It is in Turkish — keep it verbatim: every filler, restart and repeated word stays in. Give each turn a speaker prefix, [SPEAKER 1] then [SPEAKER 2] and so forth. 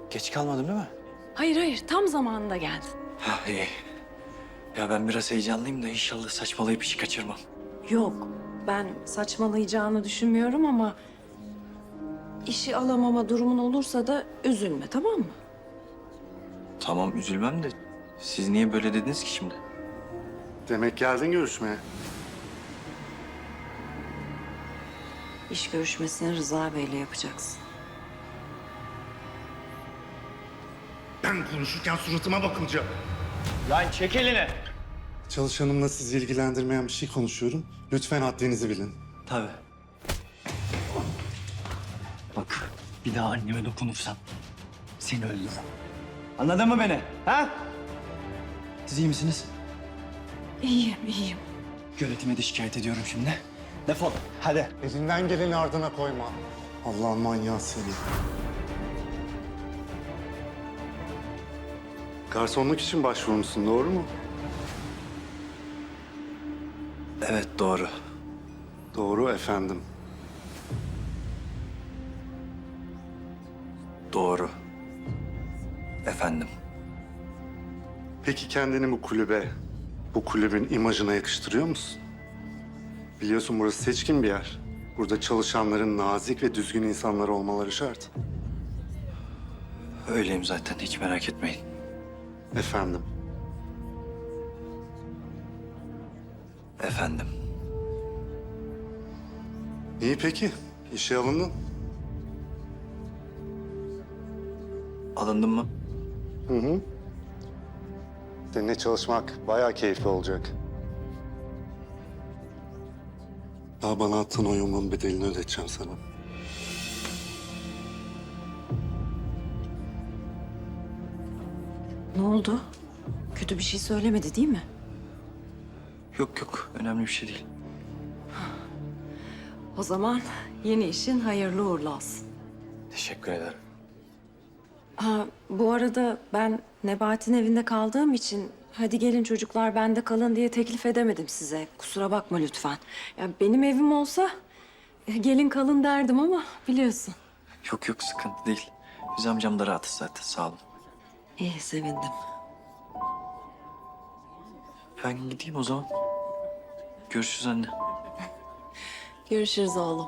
[SPEAKER 1] Geç kalmadım değil mi?
[SPEAKER 2] Hayır hayır, tam zamanında geldin.
[SPEAKER 1] Ha iyi. Ya ben biraz heyecanlıyım da inşallah saçmalayıp işi kaçırmam.
[SPEAKER 2] Yok, ben saçmalayacağını düşünmüyorum ama... ...işi alamama durumun olursa da üzülme, tamam mı?
[SPEAKER 1] Tamam üzülmem de siz niye böyle dediniz ki şimdi?
[SPEAKER 3] Demek geldin görüşmeye.
[SPEAKER 2] İş görüşmesini Rıza Bey'le yapacaksın.
[SPEAKER 4] Ben konuşurken suratıma bakılacak.
[SPEAKER 1] Lan çek elini.
[SPEAKER 3] Çalışanımla sizi ilgilendirmeyen bir şey konuşuyorum. Lütfen haddinizi bilin.
[SPEAKER 1] Tabii. Bak bir daha anneme dokunursan seni öldürürüm. Anladın mı beni? Ha? Siz iyi misiniz?
[SPEAKER 2] İyiyim, iyiyim.
[SPEAKER 1] Yönetime de şikayet ediyorum şimdi. Defol hadi.
[SPEAKER 3] Elinden geleni ardına koyma. Allah'ın manyağı seni. Garsonluk için başvurmuşsun, doğru mu?
[SPEAKER 1] Evet doğru.
[SPEAKER 3] Doğru efendim.
[SPEAKER 1] Doğru. Efendim.
[SPEAKER 3] Peki kendini bu kulübe, bu kulübün imajına yakıştırıyor musun? Biliyorsun burası seçkin bir yer. Burada çalışanların nazik ve düzgün insanlar olmaları şart.
[SPEAKER 1] Öyleyim zaten hiç merak etmeyin.
[SPEAKER 3] Efendim.
[SPEAKER 1] Efendim.
[SPEAKER 3] İyi peki. İşe alındın.
[SPEAKER 1] Alındın mı?
[SPEAKER 3] Hı hı. Seninle çalışmak bayağı keyifli olacak. Daha bana attığın o yumruğun bedelini ödeteceğim sana.
[SPEAKER 2] Ne oldu? Kötü bir şey söylemedi değil mi?
[SPEAKER 1] Yok yok önemli bir şey değil.
[SPEAKER 2] O zaman yeni işin hayırlı uğurlu olsun.
[SPEAKER 1] Teşekkür ederim.
[SPEAKER 2] Ha, bu arada ben Nebati'nin evinde kaldığım için... ...hadi gelin çocuklar bende kalın diye teklif edemedim size. Kusura bakma lütfen. Ya benim evim olsa e, gelin kalın derdim ama biliyorsun.
[SPEAKER 1] Yok yok sıkıntı değil. Biz amcam da rahatız zaten sağ olun.
[SPEAKER 2] İyi, sevindim.
[SPEAKER 1] Ben gideyim o zaman. Görüşürüz anne.
[SPEAKER 2] Görüşürüz oğlum.